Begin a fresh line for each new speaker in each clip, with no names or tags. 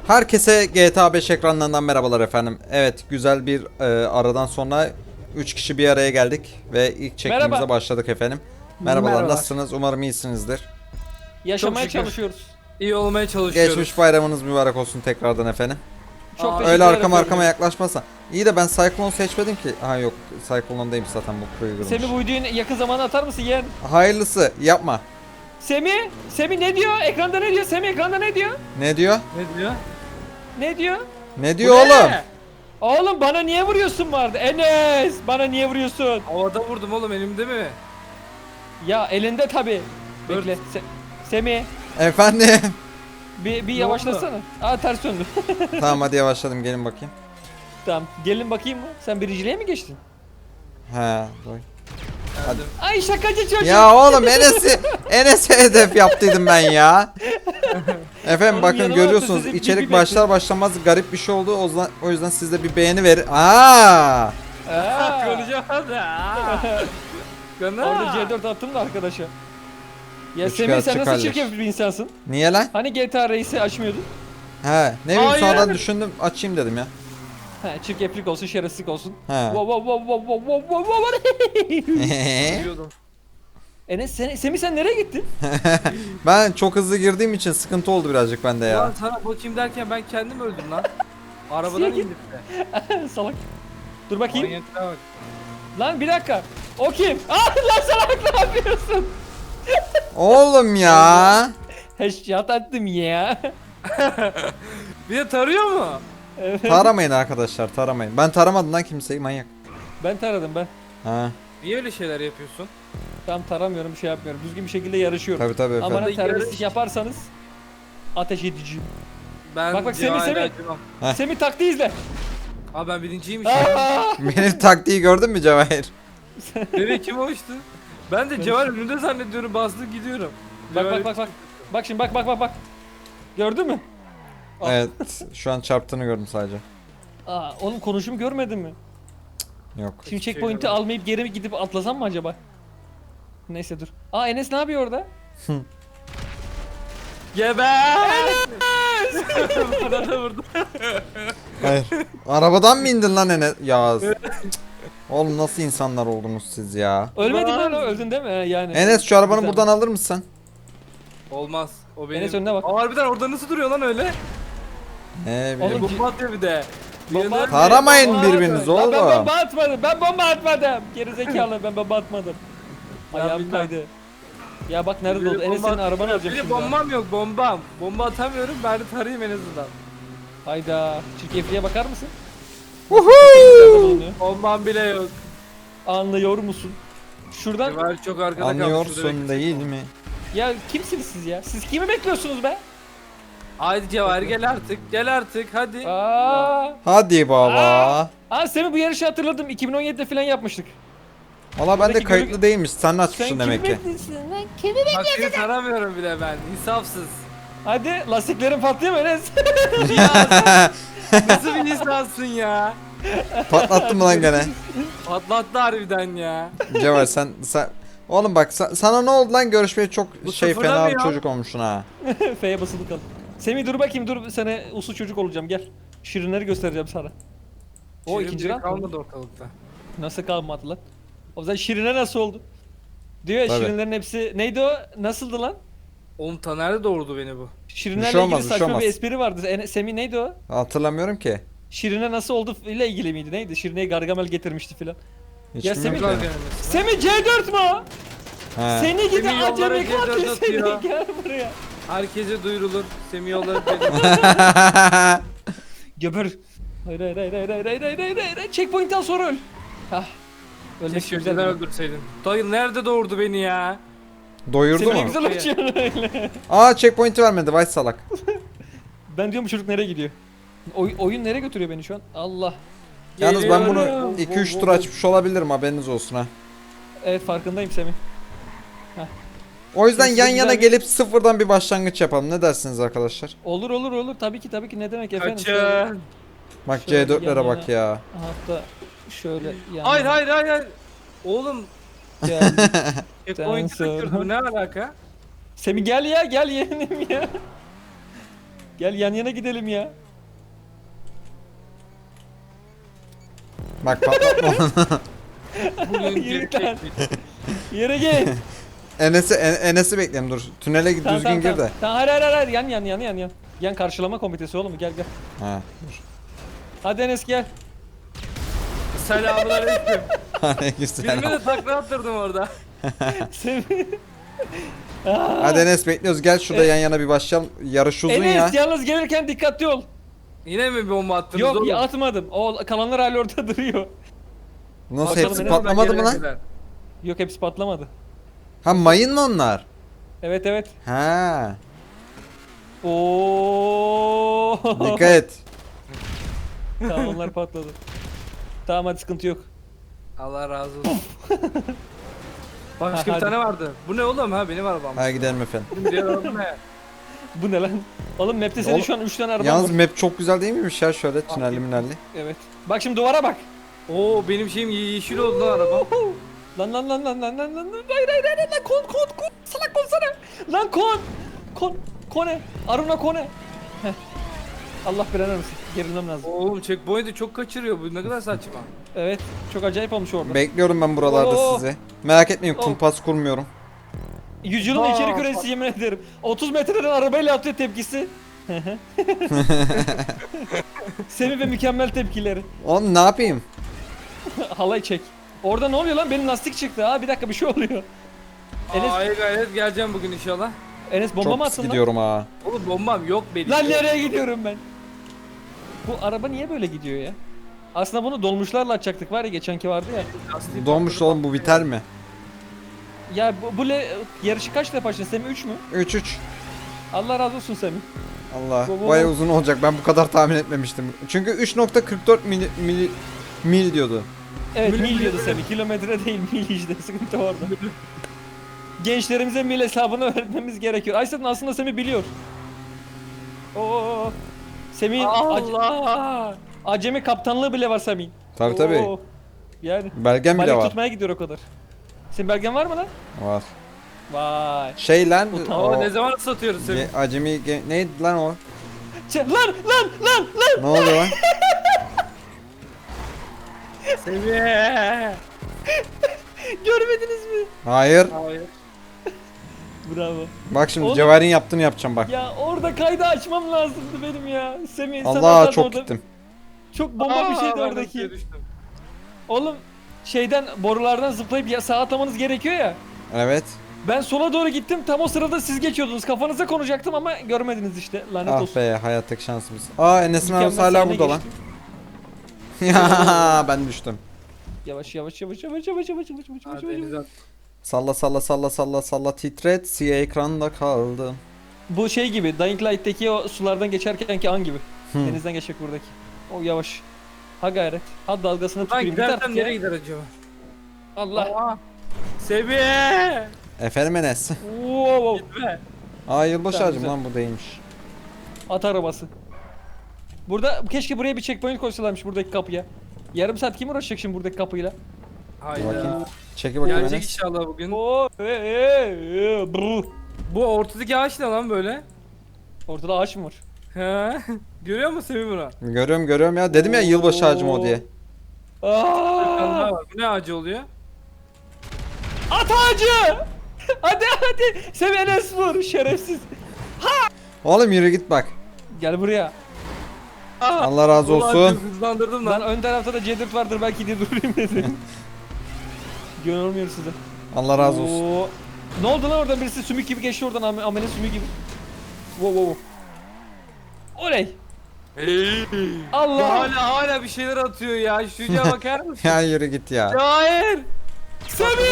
Herkese GTA 5 ekranlarından merhabalar efendim. Evet, güzel bir aradan sonra 3 kişi bir araya geldik ve ilk çekimimize
Merhaba.
başladık efendim. Merhabalar,
Merhabalar.
nasılsınız? Umarım iyisinizdir.
Yaşamaya
Çok şükür.
çalışıyoruz.
İyi olmaya çalışıyoruz.
Geçmiş bayramınız mübarek olsun tekrardan efendim.
Çok
Aa,
teşekkür
Öyle
ederim.
arkama yaklaşmasa. İyi de ben Cyclone seçmedim ki. Ha yok, Cyclone'dayım zaten, bu kuruyu
Semih bu videoyu yakın zamanda atar mısın yeğen?
Hayırlısı, yapma.
Semih ne diyor? Ekranda ne diyor? Semih ekranda ne diyor?
Ne diyor?
Ne diyor?
Ne diyor?
Ne diyor
Bu
oğlum?
ne?
Oğlum bana niye vuruyorsun vardı? Enes bana niye vuruyorsun?
Havada vurdum oğlum, elimde mi?
Ya elinde tabi.
Dur.
Bekle. Semih
Efendim.
bir
Ne
yavaşlasana. Aa ters döndü.
Tamam, hadi yavaşladım, gelin bakayım.
Tamam gelin bakayım mı? Sen birinciliğe mi geçtin?
He, dur.
Geldim.
Ay şakacı çocuk.
Ya oğlum, Enes'e hedef yaptıydım ben ya. Efendim
Oğlum
bakın,
yanıma
görüyorsunuz
attı, sizi
içerik
bir
başlar başlamaz garip bir şey oldu. O yüzden siz de bir beğeni verin. Aa!
Aa.
Konuşamadı.
Orada C4 attım da arkadaşa. Ya
Üç
Semih
kağıt
sen nasıl
çıkarlar.
çirkef bir insansın?
Niye lan?
Hani GTA Race'i açmıyordun?
He, ne bileyim,
Hayır.
sonradan düşündüm, açayım dedim ya.
He çirkeflik olsun, şerefsizlik olsun.
He.
Wow wow wow wow wow wow wow wow.
Biliyordum.
Enes Semih sen nereye gittin?
Ben çok hızlı girdiğim için sıkıntı oldu birazcık bende
Ulan
ya.
sana bakayım derken ben kendim öldüm lan. Arabadan
Siye git.
indim de.
Salak. Dur bakayım.
Manyaklığa bak.
Lan bir dakika. O kim? Ah lan salak ne yapıyorsun?
Oğlum ya.
Headshot attım ya.
Bir de tarıyor mu?
Evet.
Taramayın arkadaşlar, taramayın. Ben taramadım lan kimseyi, manyak.
Ben taradım ben.
Ha,
Niye öyle şeyler yapıyorsun?
Tam taramıyorum, bir şey yapmıyorum. Düzgün bir şekilde yarışıyorum.
tabii tabii efendim.
Ama
Yarış-
terbiyesizlik yaparsanız ateş edeceğim.
Ben
Bak, Semih,
Cevahir'e
Semih.
acımam.
Heh.
Semih taktiği izle.
Aa ben birinciymiş.
Aa!
Benim taktiği gördün mü Cevahir?
Nereye kim uçtu? Ben de Cevahir önünde zannediyorum, bastım gidiyorum.
Bak
Cevahir-
bak bak bak. Bak şimdi bak. Gördün mü? Ah.
Evet, şu an çarptığını gördüm sadece.
Aa, onun konuşumu görmedin mi?
Yok.
Şimdi
Hiçbir şey
checkpoint'i
görmedim.
almayıp geri mi gidip atlasam mı acaba? Neyse dur. Aa Enes ne yapıyor orada?
Geber! Bana da vurdu.
Hayır. Arabadan mı indin lan Enes? Ya. Cık. Oğlum nasıl insanlar oldunuz siz ya?
Ölmedin
Var.
lan öldün değil mi? Yani.
Enes, şu arabanı
Güzel.
buradan alır mısın?
Olmaz. O benim.
Enes önüne bak.
Aa, harbiden orada nasıl duruyor lan öyle?
Ne
Oğlum,
bileyim.
Bomba atıyor bir de.
Bomba
Yanına-
atıyor.
Taramayın
Bomba
birbirinizi
atıyor.
Lan ben
oğlum.
bomba atmadım. Ben bomba atmadım. Gerizekalı ben bomba atmadım.
Ya
Ayağım
bilmem.
kaydı. Ya bak nerede
Biri
oldu? Enes
bomba
senin arabanı
atıyor.
alacak
Bir de
şimdi. ha.
bombam yok, bombam. Bomba atamıyorum, ben de tarayayım en azından.
Hayda. Çirkefliğe bakar mısın?
Woohoo!
Bulunuyor.
Bombam bile yok.
Anlıyor musun? Şuradan
Cevahir çok arkada kalmış. şurada
Anlıyorsun
bekliyor.
değil mi?
ya kimsiniz siz ya? Siz kimi bekliyorsunuz be?
Haydi Cevahir gel artık, gel artık hadi.
Aa.
Hadi baba.
Aa Semih bu yarışı hatırladım. 2017'de falan yapmıştık.
Valla bende
Buradaki
kayıtlı değilmiş. Sen
Sen
açmışsın
kimi
demek ki.
bekliyorsun lan? Kimi
Bak seni taramıyorum bile ben, insafsız.
Hadi lastiklerin patlıyor mu Enes?
Nasıl bir insansın ya?
Patlattın mı lan gene?
Patlattı harbiden ya.
Cevher sen oğlum bak, sana ne oldu lan, görüşmeye çok
Bu
fena bir
sıfırlamıyor.
çocuk olmuşsun ha.
F'ye basılı kal. Semih dur bakayım dur sana uslu çocuk olacağım gel. Şirinleri göstereceğim sana. O
Şirin
ikinci
bile
round mı?
kalmadı ortalıkta.
Nasıl kalmadı lan? O zaman Şirine nasıl oldu? Diyor ya
Tabii.
Şirinlerin hepsi neydi o? Nasıldı lan?
Oğlum Taner'de doğurdu beni bu.
Şirinlerle
şey olmaz,
ilgili
bir şey
saçma
olmaz.
bir espri vardı. Semih neydi o?
Hatırlamıyorum ki.
Şirine nasıl oldu ile ilgili miydi? Neydi? Şirine'yi Gargamel getirmişti filan.
Hiç
Ya
bilmiyorum
Semih-
ki.
Semih C4 mu o?
He.
Seni gidi
Semih yollara
acemi
C4
katil
atıyor.
seni gel buraya.
Herkese duyurulur. Semih yolları benim.
Geber. Hayır. Checkpoint'ten sonra öl. Hah. Ölmek
Keşke
güzel.
önceden
değil mi?
öldürseydin. Dayı nerede doğurdu beni ya?
Doyurdu
Semih ne
mu?
güzel uçuyorsun öyle.
Aa, checkpoint'i vermedi, vay salak.
Ben diyorum bu çocuk nereye gidiyor? Oyun nereye götürüyor beni şu an? Allah.
Yalnız ben bunu
Geliyorum.
2-3 tur açmış olabilirim, haberiniz olsun ha.
Evet farkındayım Semih.
O yüzden
Kesin
yan
güzel
yana
bir-
gelip sıfırdan bir başlangıç yapalım. Ne dersiniz arkadaşlar?
Olur. Tabii ki ne demek efendim.
Kaçın.
Bak
Şöyle
C4'lere
yan
bak ya.
Hatta şöyle yan
Hayır
yana
hayır. Oğlum
geldik.
checkpoint'i
sonra-
kaçırdı, bu ne alaka?
Semih gel ya gel yeğenim ya. Gel yan yana gidelim ya.
Bak patlatma onu.
Bugün
Yürü
gerçek
lan.
bir-
Yere gel.
Enes'i bekleyelim dur. Tünele git düzgün gir de.
Tamam hayır yan. Yan karşılama komitesi oğlum gel.
Ha dur.
Hadi Enes gel.
Selamünaleyküm.
Ne güzel.
Birime de takla attırdım orada.
Semih.
Hadi Enes bekliyoruz. Gel şurada yan yana bir başlayalım. Yarış uzun ya.
Enes yalnız gelirken dikkatli ol.
Yine mi bomba attınız
Yok
oğlum?
ya atmadım. O kalanlar hala orada duruyor.
Nasıl
Bakalım
hepsi
Enes,
patlamadı mı lan?
Gelene kadar.
Yok hepsi patlamadı.
Ha mayın mı onlar?
Evet.
Ha.
Oo.
Dikkat et.
Tamam onlar patladı. Tamam hadi sıkıntı yok.
Allah razı olsun. Başka bir
Hadi.
tane vardı. Bu ne oğlum ha benim arabam.
Hadi gidelim efendim.
Diğer araba ne?
Bu ne lan? Oğlum map'te senin
Oğlum,
şu an 3 tane araban
Yalnız
var.
map çok güzel değil miymiş ya şöyle tünelli minelli.
Evet. Bak şimdi duvara bak.
Oo benim şeyim yeşil oldu lan araba.
Lan. Hayır lan kon. Salak kon sana. Lan kon. Kone. Aruna kone. Heh. Allah belanı versin. Gerilmem lazım.
Oğlum checkpoint'i çok kaçırıyor bu ne kadar saçma.
Evet. Çok acayip olmuş orada.
Bekliyorum ben buralarda
Oo.
sizi. Merak etmeyin
Oo.
kumpas kurmuyorum.
Yüzyılın
Aa,
içeri küresi yemin ederim. 30 metreden arabayla atıyor tepkisi. Semih ve mükemmel tepkileri.
Oğlum ne yapayım?
Halay çek. Orada ne oluyor lan? Benim lastik çıktı. Ha bir dakika bir şey oluyor. Enes-
Ay gayret geleceğim bugün inşallah.
Enes bomba
Çok
mı
pis
attın lan?
gidiyorum ha.
Oğlum bombam yok benim.
Lan nereye gidiyorum ben? Bu araba niye böyle gidiyor ya? Aslında bunu dolmuşlarla açacaktık var ya geçenki vardı ya.
Lastiği
Donmuş
patladı.
oğlum bu biter mi?
Ya yarışı kaç defa başladın Semih 3 mü?
3-3.
Allah razı olsun Semih.
Allah
Bu-
baya uzun olacak ben bu kadar tahmin etmemiştim. Çünkü 3.44 mil diyordu.
Evet
Mil-
mil diyordu Semih. Kilometre değil mil işte sıkıntı orada. Gençlerimize mil hesabını öğretmemiz gerekiyor. Aysettin aslında Semih biliyor. Oo. Semih'in
Allah.
acemi kaptanlığı bile var Semih'in.
Tabi tabi.
Oo. Yani
Belgem bile
balık
var.
tutmaya gidiyor o kadar. Senin belgen var mı lan?
Var.
Vay.
Şey lan
Ama ne zaman satıyoruz seni?
neydi lan o?
Lan.
Ne oluyor lan?
Seviye.
Görmediniz mi?
Hayır.
Hayır.
Bravo.
Bak şimdi
Oğlum.
Cevher'in yaptığını yapacağım bak.
Ya orada kaydı açmam lazımdı benim ya. Semih sen
Allah
oradan
çok
orada-
gittim.
Çok bomba bir şeydi
ben
oradaki.
suya düştüm.
Oğlum şeyden borulardan zıplayıp ya sağa atlamanız gerekiyor ya.
Evet.
Ben sola doğru gittim tam o sırada siz geçiyordunuz. Kafanıza konacaktım ama görmediniz işte. Lanet
Ah
olsun.
be hayattaki şansımız. Aa Enes'in
Mükemmel
arabası hala
sahne
burada lan.
geçtim.
Ya ben düştüm.
Yavaş.
Ha, denize at.
Salla titret siyah ekranda kaldım.
Bu şey gibi Dying Light'teki o sulardan geçerkenki an gibi.
Hı.
Denizden geçecek buradaki. O yavaş. Ha gayret. Ha dalgasını
Ben
tutayım. Git
gidersem
artık ya.
nereye gider acaba?
Allah.
Aa. Seviye.
Efendim Enes.
Wow.
Gitme.
Aa yılbaşı
Güzel,
ağacım
güzel.
lan bu değilmiş.
At arabası. Burada keşke buraya bir checkpoint koysalarmış buradaki kapıya. Yarım saat kim uğraşacak şimdi buradaki kapıyla?
Hayda.
Bakayım. Çekil bakayım
Gelecek
Enes.
inşallah bugün.
Oo, brr.
Bu ortadaki ağaç ne lan böyle?
Ortada ağaç mı var?
He. Görüyor musun Semih bunu?
Görüyorum ya. Dedim ya yılbaşı ağacım o diye.
Bir tane
Aa!
daha var. Bu ne ağacı oluyor?
At ağacı! hadi. Sen Enes vur şerefsiz.
Oğlum yürü git bak.
Gel buraya.
Aa,
Allah razı
ulan
olsun.
çok hızlandırdım
Lan
lan.
ön tarafta da C4 vardır belki diye durayım dedim. Görmüyor size.
Allah razı olsun.
Oo. Ne oldu lan oradan birisi sümük gibi geçti oradan amele sümük gibi. Wow. Oley.
Hey.
Allah.
Hala bir şeyler atıyor ya. Şu çocuğa bakar mısın?
Ya yürü git ya.
Hayır.
Semih.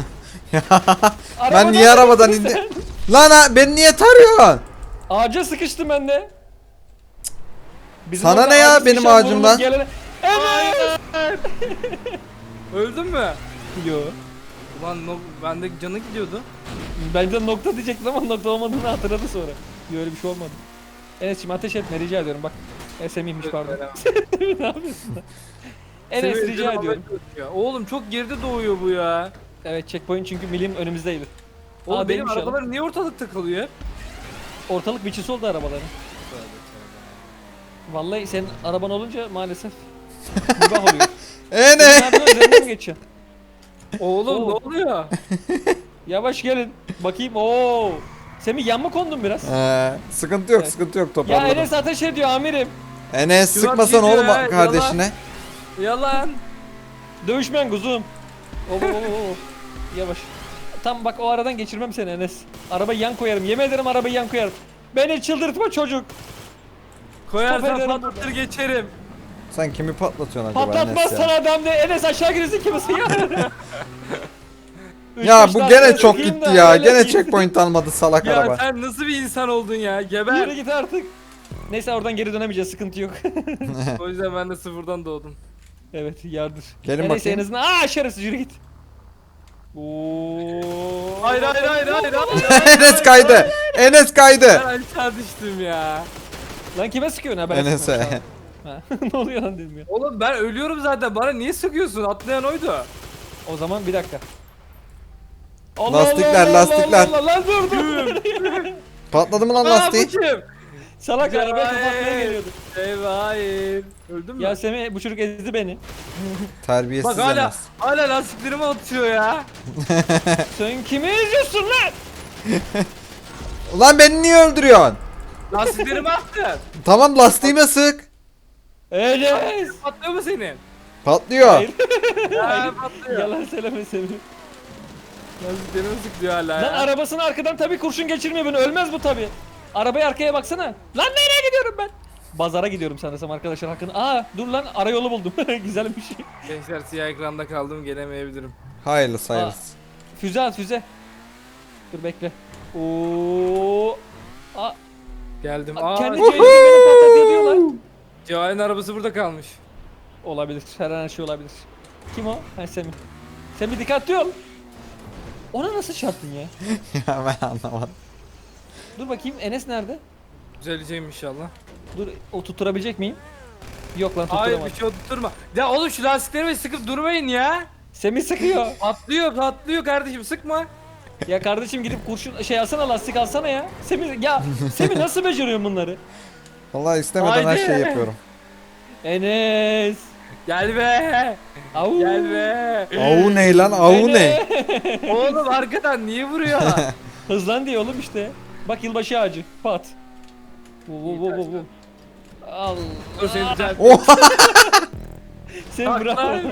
Ben niye arabadan
sıkıştın
indim? Lan beni niye tarıyorsun?
Ağaca sıkıştım ben de. Bizim
Sana
orada
ne ya
ağaca
benim
sıkışan
ağacımdan?
vurulur gelene- Evet.
Öldün mü?
Yo.
Ulan bende canı gidiyordu.
Bence nokta diyecektim ama nokta olmadığını hatırladı sonra. Yo öyle bir şey olmadı. Enes'cim ateş etme rica ediyorum bak. Semih'miş pardon. ne yapıyorsun lan? Enes
Semih,
rica
canım
ediyorum.
ya. Oğlum çok geride doğuyor bu ya.
Evet checkpoint çünkü milim önümüzdeydi.
Oğlum benim
değilmiş ya.
arabalar niye ortalıkta kalıyor hep?
Ortalık biçisi oldu arabaların. Vallahi senin araban olunca maalesef mübah oluyor.
Ne?
Nereden üzerinden mi geçiyorsun?
Oğlum
Oo.
ne oluyor?
Yavaş gelin. Bakayım. Oo. Semih yan mı kondun biraz?
Sıkıntı yok,
Evet.
sıkıntı yok,
Ya
toparladım.
Enes ateş ediyor amirim.
Enes
Şuan
sıkmasan
gidiyor
oğlum
ya,
kardeşine.
Yalan.
Dövüşmen kuzum. Oo. Yavaş. Tam bak o aradan geçirmem seni Enes. Arabayı yan koyarım. Yemin ederim arabayı yan koyarım. Beni çıldırtma çocuk.
Koyarsan
ederim
patlatır geçerim.
Sen kimi patlatıyorsun acaba
Patlatmaz
Enes ya?
sana adam de. Enes aşağı girirsin kimisi ya.
Ya bu gene çok gitti ya. Gene checkpoint almadı salak
Ya
araba.
sen nasıl bir insan oldun ya?
Yürü
Geber.
git artık. Neyse oradan geri dönemeyeceğiz sıkıntı yok.
O yüzden ben de sıfırdan doğdum.
Evet yardır.
Gelin
Neyse
bakayım.
en azından şerefsiz yürü git. Oo.
Hayır hayır hayır hayır.
Enes kaydı. Enes kaydı.
Ben aşağı düştüm ya.
Lan kime sıkıyorsun ha ben
Enes'e.
sıkmamışım. Ha, ne oluyor lan dedim ya.
Oğlum ben ölüyorum zaten. Bana niye sıkıyorsun? Atlayan oydu.
O zaman bir dakika.
Lastikler, lastikler.
Lan dur dur.
Patladı mı lan
Aa
lastiği?
bu kim?
Salak arabaya kapatmaya
Hayır.
geliyordu.
Eyvah hayır. Öldün mü?
Ya Semih bu çocuk ezdi beni.
Terbiyesiz
Bak hala
Enes.
hala lastiklerimi atıyor ya.
Sen kimi eziyorsun lan?
Ulan beni niye öldürüyorsun?
Lastiklerimi attı.
Tamam lastiğime sık.
Enes.
Patlıyor mu senin?
Patlıyor.
Hayır.
Ya patlıyor.
Yalan söyleme Semih.
Lastiklerimi sık diyor hala
Lan
ya.
arabasını arkadan tabii kurşun geçirmiyor beni. Ölmez bu tabii. Arabaya arkaya baksana. Lan nereye gidiyorum ben? Bazara gidiyorum sanırsam arkadaşlar hakkını. Dur lan arayolu buldum. Güzel bir şey.
Gençler siyah ekranda kaldım gelemeyebilirim.
Hayırlısı hayırlısı.
Füze at füze. Dur bekle. Oo.
Geldim.
Kendi beni patlatıyor diyorlar.
Cevahir'in arabası burada kalmış.
Olabilir. Her şey olabilir. Kim o? Ha Semih. Semih dikkatli ol. Ona nasıl çarptın ya?
Ya ben anlamadım.
Dur bakayım Enes nerede?
Düzeleceğim inşallah.
Dur o tutturabilecek miyim? Yok lan
Hayır
tutturamadım.
bir şey tutturma. Ya oğlum şu lastiklerimi sıkıp durmayın ya.
Semih sıkıyor.
Patlıyor kardeşim sıkma.
Ya kardeşim gidip kurşun alsana lastik alsana ya. Semih nasıl beceriyorsun bunları?
Vallahi istemeden her
Haydi.
şeyi yapıyorum.
Enes.
Gel be.
Au.
Gel be.
Avu ne lan? Avu ne?
Oğlum arkadan niye vuruyor?
Hızlan diye oğlum işte. Bak yılbaşı ağacı. Pat. Al.
Dur seni düzelt.
Oha!
Sen
Bak
bravo.
lan.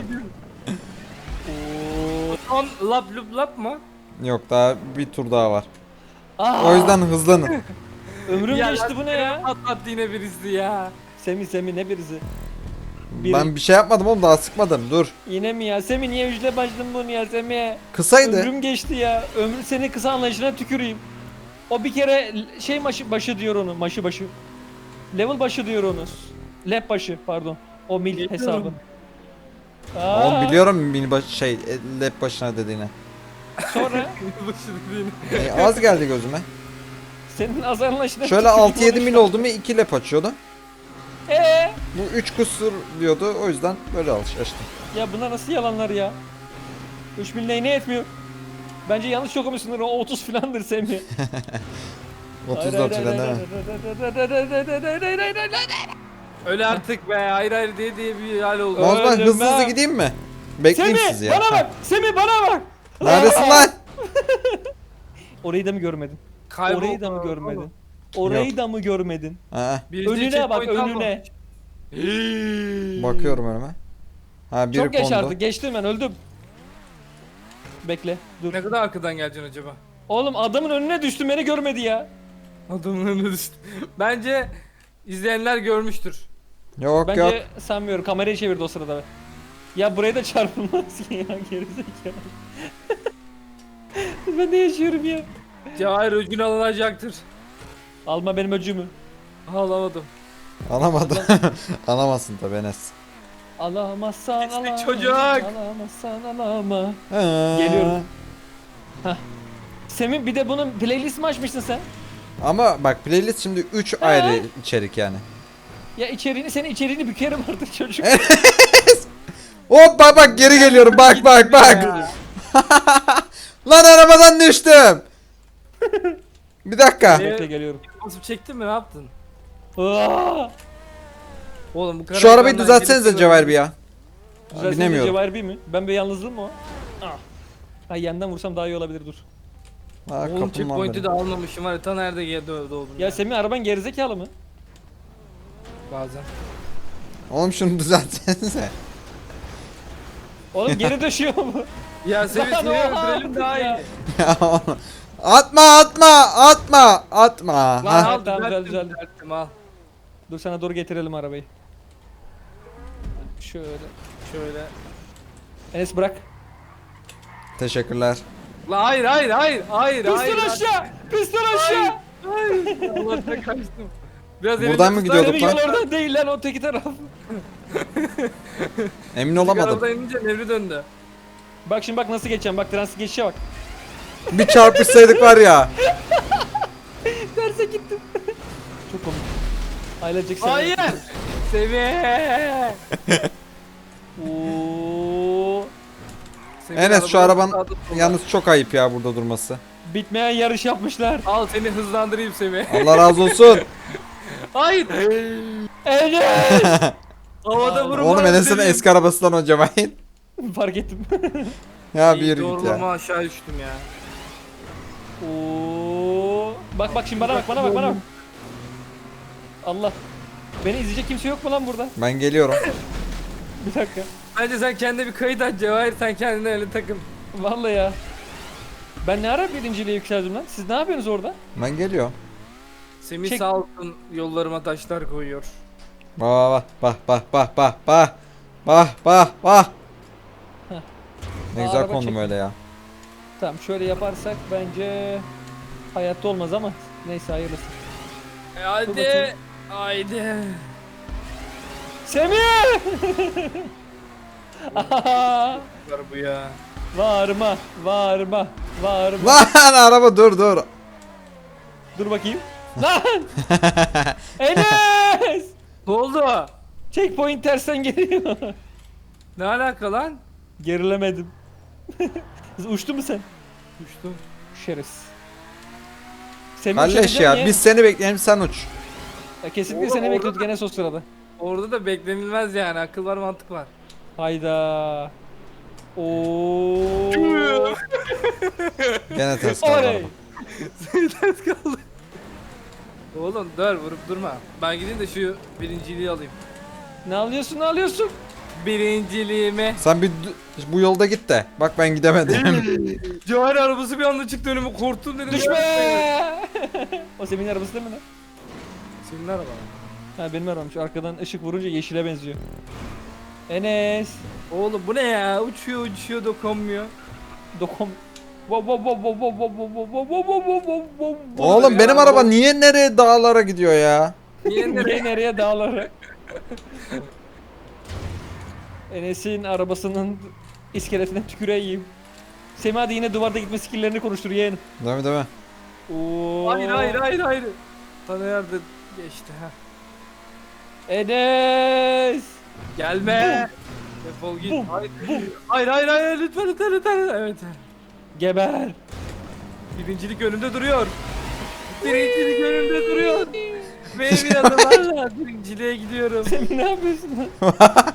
Son lap lup lap mı?
Yok daha bir tur daha var.
Aa,
O yüzden hızlanın.
ömrüm
Ya
geçti bu ne ya?
lastiklerimi patlattı yine birisi ya.
Semih ne birisi? Biri.
Ben bir şey yapmadım oğlum daha sıkmadım dur.
Yine mi ya? Semih niye ücretle başladın bunu ya Semih?
Kısaydı.
Ömrüm geçti ya. Ömrü seni kısa anlayışına tüküreyim. O bir kere şey başı diyor onu. Maşı başı. Level başı diyor onu. Lap başı pardon. O mil
Biliyorum.
hesabı.
Oğlum biliyorum mini lap başına dediğini.
Sonra
Az geldi gözüme.
senin az anlayışına
Şöyle
tüküreyim
6-7 mil
konuşma.
oldu mu 2 lap açıyordu. Bu 3 kusur diyordu o yüzden böyle açtım.
Ya bunlar nasıl yalanlar ya? 3 mil neyine etmiyor? Bence yanlış okumuşsundur o 30 filandır Semih.
34 ile değil mi?
Öyle artık be hayır diye bir hal oldu.
O zaman
Öldüm
hızlı hızlı
ben.
gideyim mi? Bekleyeyim
Semih
sizi ya.
bana bak! Semih bana bak!
Neredesin lan?
Orayı da mı görmedin?
Kayboldu.
Orayı da mı görmedin? Orayı da mı görmedin?
Ha,
Birisi
Önüne bak
checkpoint
önüne.
bakıyorum önüme. Ha biri
Çok geç
kondu.
artık geçtim ben öldüm. Bekle dur.
Ne kadar arkadan geleceksin acaba?
Oğlum adamın önüne düştüm beni görmedi ya.
Adamın önüne düştü. Bence izleyenler görmüştür.
Yok
Bence
yok.
sanmıyorum kamerayı çevirdi o sırada. Ya buraya da çarpılmaz ki ya gerizekalı. Ben ne yaşıyorum ya?
Cevahir öcünü alınacaktır.
Alma benim öcümü.
Alamadım.
Alamadım. Alamazsın tabi Enes.
Alamazsan
İşte
alama.
çocuk.
Alamazsan alama.
Ha.
Geliyorum. Semih bir de bunun playlist mi açmışsın sen?
Ama bak playlist şimdi 3 ayrı içerik yani.
Ya senin içeriğini bükerim artık çocuk.
Hop bak geri geliyorum bak. Lan arabadan düştüm. Bir dakika.
Ne?
Bekle geliyorum.
Basıp çektin mi ne yaptın?
Aa!
Oğlum bu
Şu arabayı
karavandan
düzeltsenize
gelip-
Cevher bir ya.
Düzelsene
Binemiyorum.
Cevher bir mi? Ben bir yalnızlığım mı o? Ah. Ha yandan vursam daha iyi olabilir dur.
Ha,
Oğlum
kapım lan
checkpoint'i
benim.
de almamışım var ya, ta nerede doğdum
Ya Semih araban gerizekalı mı?
bazen.
Oğlum şunu düzeltsenize.
Oğlum geri düşüyor mu?
Ya seni
Lan
seni
oha
öldürelim daha iyi.
ya.
Ya oğlum. Atma.
Lan
Ha,
al
tamam,
düzelttim,
düzeldi.
düzelttim al.
Dur sana doğru getirelim arabayı. Şöyle.
Şöyle.
Enes bırak.
Teşekkürler.
La hayır.
Piston aşağı! Piston aşağı!
Allah'tan kaçtım. Biraz
Buradan mı gidiyorduk
Semih
lan?
yol oradan değil lan o teki taraf.
Emin olamadım.
Arabadan inince nevri döndü.
Bak şimdi bak nasıl geçeceğim bak transit geçişe bak.
Bir çarpışsaydık var ya.
Terse gittim. Çok komik. Ailecek Semih.
Hayır. Semih.
Oo.
Semih
Enes şu
arabanın
araban
sağda solda.
yalnız çok ayıp ya burada durması.
Bitmeyen yarış yapmışlar.
Al seni hızlandırayım Semih.
Allah razı olsun.
Hayır.
Enes!
Havada vurma.
Oğlum Enes'in
dedim.
eski arabasından o Cevahir.
Fark ettim.
Ya
İyi,
bir yürü git
doğrulama
ya.
aşağı düştüm ya.
Oo. Bak şimdi bana bak. Allah. Beni izleyecek kimse yok mu lan burada?
Ben geliyorum.
Bir dakika.
Bence sen kendine bir kayıt aç Cevahir, sen kendine öyle takıl.
Vallahi ya. Ben ne ara birinciliğe yükseldim lan? Siz ne yapıyorsunuz orada?
Ben geliyorum.
Semih
Çek.
sağ olsun yollarıma taşlar koyuyor.
Bak.
Heh.
Ne güzel
Araba
kondum
çek.
öyle ya.
Tamam şöyle yaparsak bence hayatta olmaz ama neyse hayırlısı.
Hadi.
bakayım.
Haydi.
Semih!
Var bu ya.
Varma.
Lan araba dur.
Dur bakayım. Lan! Enes!
Ne oldu?
Checkpoint tersten geliyor.
Ne alaka lan?
Gerilemedim. Uçtu mu sen?
Uçtum.
Şerefsiz. Semih
Kalleş
uçabilecek
ya
misin
biz seni bekleyelim sen uç.
Ya kesinlikle
Oğlum,
seni
orada
bekliyorduk Enes o sırada.
Orada da beklenilmez yani, akıl var mantık var.
Hayda. Oo.
Gene ters kaldı
Oley.
araba.
Ters kaldı. Oğlum dur, vurup durma. Ben gideyim de şu birinciliği alayım.
Ne alıyorsun?
Birinciliğimi.
Sen bir bu yolda git de. Bak ben gidemedim.
Cevher arabası bir anda çıktı önüme, korktum dedim.
Düşme! O Semih'in arabası değil mi lan?
Senin araba.
Ha benim arabam. Şu arkadan ışık vurunca yeşile benziyor. Enes.
Oğlum bu ne ya? Uçuyor dokunmuyor.
Dokom. Oğlum
Oğlum
ya,
benim
bu-
araba niye nereye dağlara gidiyor ya?
Niye nereye?
nereye dağlara? Enes'in arabasının iskeletine tüküreyim. Semih hadi yine duvarda gitme skill'lerini konuştur yeğenim.
Değil mi?
Oo.
Hayır. Sana yerde geçti ha.
Enes.
Gelme. Defol git.
Bum,
Hayır lütfen. Evet.
Geber.
Birincilik önümde duruyor. Birincilik önümde duruyor. Benim yanımlarla birinciliğe gidiyorum.
Semih ne yapıyorsun lan?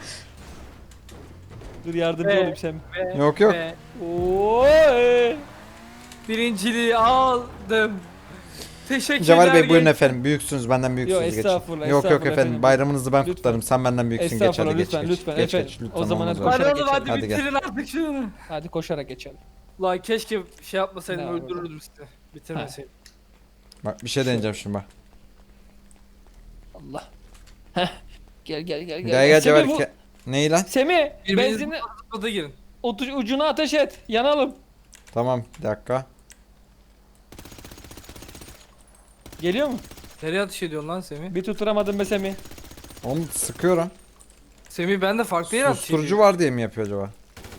Dur yardımcı
Be.
olayım Semih.
Yok.
Ve
Oy.
birinciliği aldım. Teşekkürler.
Cemal Bey buyurun
genç-
efendim. Büyüksünüz benden büyüksünüz
Yok,
geçin.
estağfurullah,
Yok
estağfurullah
efendim.
efendim.
Bayramınızı ben
Lütfen.
kutlarım. Sen benden büyüksün geç
Estağfurullah,
hadi geç.
lütfen,
geç,
lütfen,
geç,
efendim.
geç,
O
lütfen,
zaman
olmaz
hadi
öyle.
Hadi
koşarak
oğlum, hadi
Hadi gel.
bitirin artık şunu.
Hadi koşarak geçelim.
Lan keşke şey yapmasaydım,
Ne
öldürürdüm sizi.
Bak bir şey deneyeceğim şimdi bak.
Allah. Heh. Gel.
Gel Cemal.
Semih,
Neyi lan?
Semih
Birbirinizi
benzini
Oda girin.
ucuna ateş et. Yanalım.
Tamam bir dakika.
Geliyor mu?
Nereye ateş ediyorsun lan Semih?
Bir tutturamadım be Semih.
Onu sıkıyorum.
Semih ben de farklı yere ateş
Susturucu
ediyorum.
var diye mi yapıyor acaba?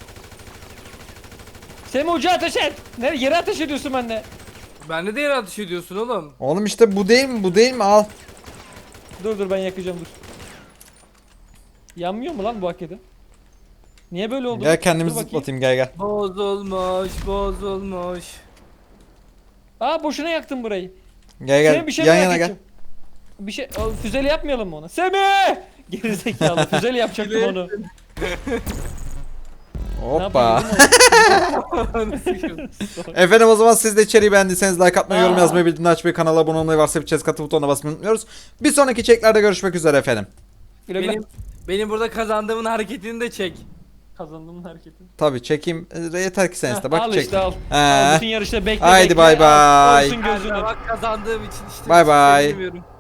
Semih ucu ateş et. Nereye yere ateş ediyorsun benimle?
Bende de yere ateş ediyorsun oğlum.
Oğlum işte bu değil mi? Bu değil mi? Al.
Dur ben yakacağım dur. Yanmıyor mu lan bu hakikaten? Niye böyle oldu?
Gel kendimi
Dur bakayım.
zıplatayım gel.
Bozulmuş.
Aa boşuna yaktın burayı.
Gel
Semih bir şey
yan
merak
yana gel.
edeceğim. Bir şey füzeli yapmayalım mı ona? Semih! Gerizekalı. Füzeyle yapacaktım onu. Ne
Hoppa.
yapayım,
Efendim o zaman siz de içeriği beğendiyseniz like atmayı, yorum
Aa.
yazmayı, bildirimleri açmayı, kanala abone olmayı, varsa bir chest katı butonuna basmayı unutmuyoruz. Bir sonraki çeklerde görüşmek üzere efendim.
Güle güle.
Benim burada kazandığımın hareketini de çek.
Kazandım hareketi.
Tabii çekeyim. Yeter ki sen iste. Bak
Al
çek.
işte al.
He.
Al bütün yarışta bekle
Haydi
bekle.
bay
Al,
bay.
olsun
Ben
gözünü.
de bak kazandığım için işte
Bay
bir şey
bay.
söylemiyorum.